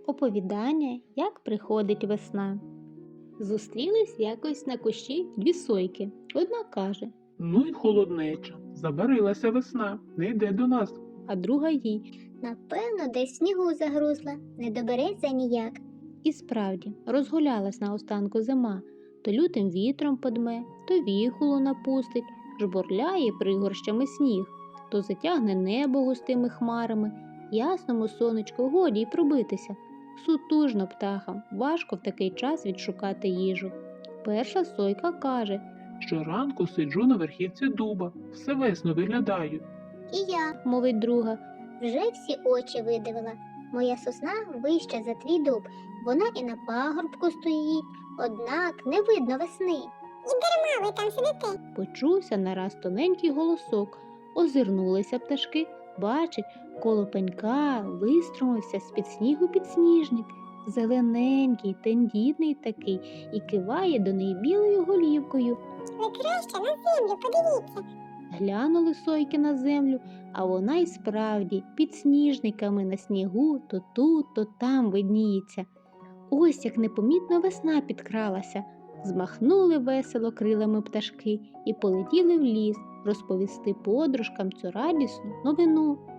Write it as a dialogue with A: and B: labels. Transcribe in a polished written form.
A: Оповідання, як приходить весна. Зустрілись якось на кущі дві сойки. Одна каже,
B: Ну й холоднеча. Забарилася весна, не йде до нас.
A: а друга їй.
C: Напевно, десь в снігу загрузла, не добереться ніяк.
A: І справді, розгулялась наостанку зима. То лютим вітром подме, то віхолу напустить, жбурляє пригорщами сніг, то затягне небо густими хмарами, ясному сонечку годі й пробитися. Сутужно птахам, важко в такий час відшукати їжу. Перша сойка каже,
B: Щоранку сиджу на верхівці дуба, все весно виглядаю.
C: І я
A: мовить друга,
C: вже всі очі видивила. Моя сосна вища за твій дуб, вона і на пагорбку стоїть, однак не видно весни. І дарма ви там сидите.
A: почувся нараз тоненький голосок. Озирнулися пташки, бачить, коло пенька виструмився з-під снігу підсніжник, зелененький, тендітний такий, і киває до неї білою голівкою.
C: Ви краще на землю подивіться.
A: Глянули сойки на землю, а вона й справді підсніжниками на снігу то тут, то там видніється. Ось як непомітно весна підкралася. Змахнули весело крилами пташки і полетіли в ліс розповісти подружкам цю радісну новину.